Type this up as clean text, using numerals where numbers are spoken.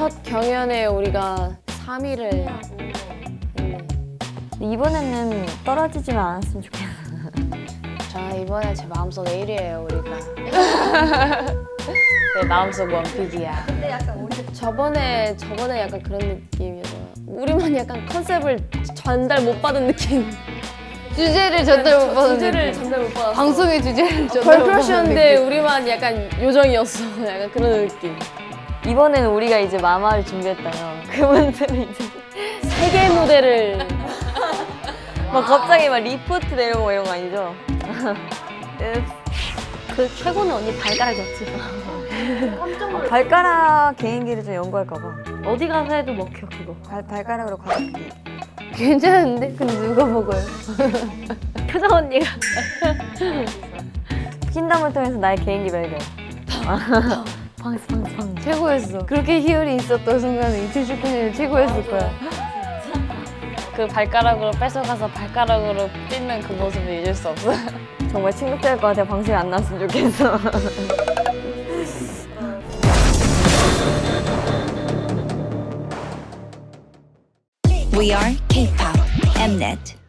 첫 경연에 우리가 3위를 이번에는 떨어지지만 않았으면 좋겠어. 자, 이번에 제 마음속 1위예요, 우리가. 내 마음속 원픽이야. 근데 약간 우리 저번에 약간 그런 느낌이어서 우리만 약간 컨셉을 전달 못 받은 느낌. 주제를 전달 못 받은 주제를 느낌. 전달 못 받았어. 방송의 주제를 전달 못 받은 걸크러쉬였는데 느낌. 우리만 약간 요정이었어. 약간 그런 느낌. 이번에는 우리가 이제 마마를 준비했다면 그분들은 이제 세계 무대를 막 갑자기 막 리포트 내려오고 이런 거 아니죠? 그 최고는 언니 발가락이었지. 발가락 개인기를 좀 연구할까 봐. 어디 가서 해도 먹혀 그거. 발가락으로 가볍게. 괜찮은데? 근데 누가 먹어요? 표정 언니가. 퀸덤을 통해서 나의 개인기 발견. 방스. 최고였어. 그렇게 희열이 있었던 순간은 이틀 축구는 최고였을 거야. 그 발가락으로 뺏어가서 발가락으로 찢는 그 모습을 잊을 수 없어. 정말 침묵될 것 같아. 방송이 안 나왔으면 좋겠어. We are K-pop Mnet.